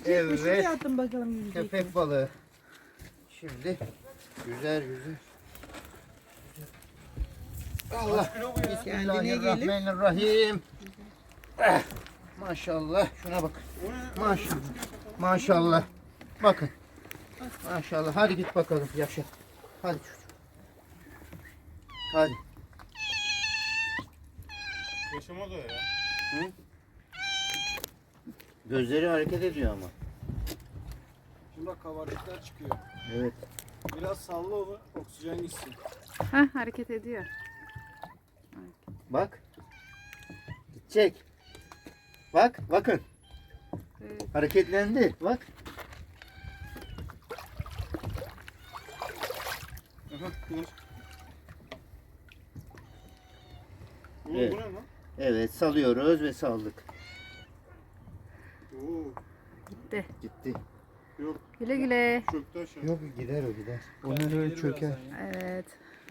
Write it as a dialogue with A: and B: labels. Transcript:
A: Yiyecek mi? Şuraya
B: Evet.
A: atın bakalım yiyecek mi?
B: Köpek balığı. Şimdi güzel güzel. Allah. Bismillahirrahmanirrahim. Eh, maşallah. Şuna bak. Maşallah. Maşallah. Bakın. Maşallah. Hadi git bakalım yaşa. Hadi çocuğum. Hadi.
C: Yaşamaz o ya.
B: Hı? Gözleri hareket ediyor ama.
C: Şimdi bak kabarcıklar çıkıyor.
B: Evet.
C: Biraz salla onu, oksijen gitsin.
D: Hah, hareket ediyor.
B: Bak. Gidecek. Bak. Bakın.
D: Evet.
B: Hareketlendi. Bak.
C: Aha, kulaç. Oğlum
B: Evet.
C: bu ne lan?
B: Evet. Salıyoruz ve saldık.
C: Oo,
D: Gitti.
B: Gitti.
C: yok
D: Güle güle.
C: çöktü aşağı.
B: Yok gider o gider.
C: Kendi
B: Onlar öyle
C: gelir
B: çöker.
C: birazdan ya.
D: Evet.